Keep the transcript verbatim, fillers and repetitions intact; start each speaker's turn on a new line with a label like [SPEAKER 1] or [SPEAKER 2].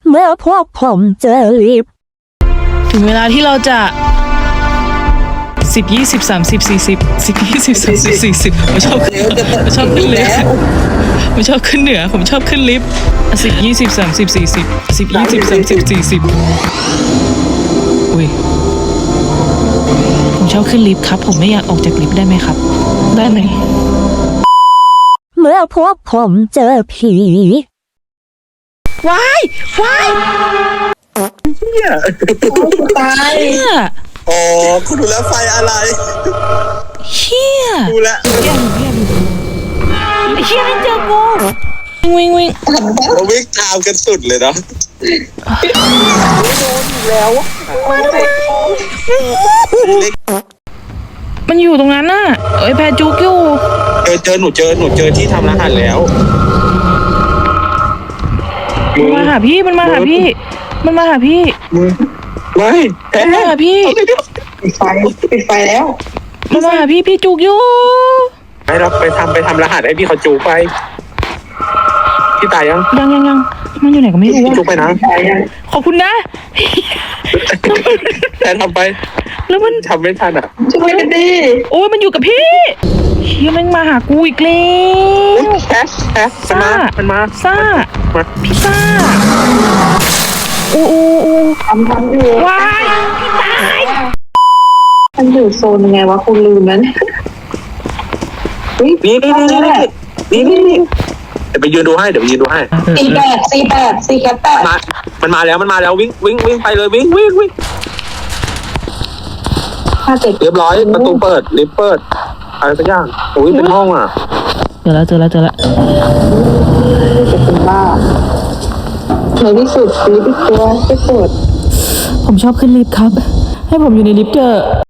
[SPEAKER 1] เมื่อพวกผมเจอลิฟต์
[SPEAKER 2] ถึงเวลาที่เราจะสิบยี่สิบสามสิบสี่สิบสิบยี่สิบสามสิบสี่สิบผมชอบขึ้นผมชอบขึ้นลิฟต์ผมชอบขึ้นเหนือผมชอบขึ้นลิฟต์สิบยี่สิบสามสิบสี่สิบสิบยี่สิบสามสิบสี่สิบอุ้ยผมชอบขึ้นลิฟต์ครับผมไม่อยากออกจากลิฟต์ได้ไหมครับได้ไหม
[SPEAKER 1] เมื่อพวกผมเจอผี
[SPEAKER 2] ว้ายว้าย
[SPEAKER 3] เนี่ย
[SPEAKER 4] ตาย
[SPEAKER 2] เฮีย
[SPEAKER 3] อ๋อคุณดูแล้วไฟอะไร
[SPEAKER 2] เฮีย
[SPEAKER 3] ดูแลว
[SPEAKER 2] เฮียเฮียเฮียไม่เจอกูวิ่งวิ่ง
[SPEAKER 3] เราวิ่งตามกันสุดเลยเนาะ
[SPEAKER 2] มันอยู่ตรงนั้นน่ะเอ้ยแพรจุกอยู่
[SPEAKER 3] เจอเจอหนูเจอหนูเจอที่ทำรหัสแล้ว
[SPEAKER 2] มันมาหาพี่มันมาหาพี่ มันมาหาพี่
[SPEAKER 3] มึงไม่แพ้
[SPEAKER 2] มันมาหาพี่
[SPEAKER 4] ปิดไฟปิดไฟแล้ว
[SPEAKER 2] มันมาหาพี่พี่จุกอยู่
[SPEAKER 3] ให้เราไปทำไปทำรหัสให้พี่เขาจูไปพี่ตายยัง
[SPEAKER 2] ยังยังยังมันอยู่ไหนก็ไม่รู้
[SPEAKER 3] พี่จู
[SPEAKER 2] ว่า
[SPEAKER 3] ไปนะ
[SPEAKER 4] ตายยัง
[SPEAKER 2] ขอบคุณนะ
[SPEAKER 3] แต่ทำไป
[SPEAKER 2] แล้วมัน
[SPEAKER 3] ทำไม่ทันอ่ะ
[SPEAKER 4] ช่วยกันดิ
[SPEAKER 2] โอ้ยมันอยู่กับพี่เฮียแม่งมาหากูอีกแล้ว
[SPEAKER 3] แพ้แพ้มันมามันมา
[SPEAKER 2] ซ่า
[SPEAKER 3] มา
[SPEAKER 2] พี่ซ่าอู้อู้อู้
[SPEAKER 4] ทำทำอยู่
[SPEAKER 2] วายพี่ตาย
[SPEAKER 4] มันอยู่โซนยังไงวะคุณลืมนั้นนี่
[SPEAKER 3] นี่นี่นี่นี่นี่นี่เดี๋ยวไปยืนดูให้เดี๋ยวไปยืนดูให้
[SPEAKER 4] สี่แปดสี่แปดสี่แคปแปด
[SPEAKER 3] มามันมาแล้วมันมาแล้ววิ่งวิ่งวิ่งไปเลยวิ่งวิ่งวิ่ง
[SPEAKER 4] ห้าเจ็ด
[SPEAKER 3] เรียบร้อยประตูเปิดลิฟต์เปิดอะไรสักอย่างโอ้ยเป็นห้องอ่ะ
[SPEAKER 2] เจอแล้วเจอแล้วเจอแล้ว
[SPEAKER 4] จะเป็นบ้าในที่สุดลิฟต์ตัวไม่เปิด
[SPEAKER 2] ผมชอบขึ้นลิฟต์ครับ ให้ผมอยู่ในลิฟต์เถอะ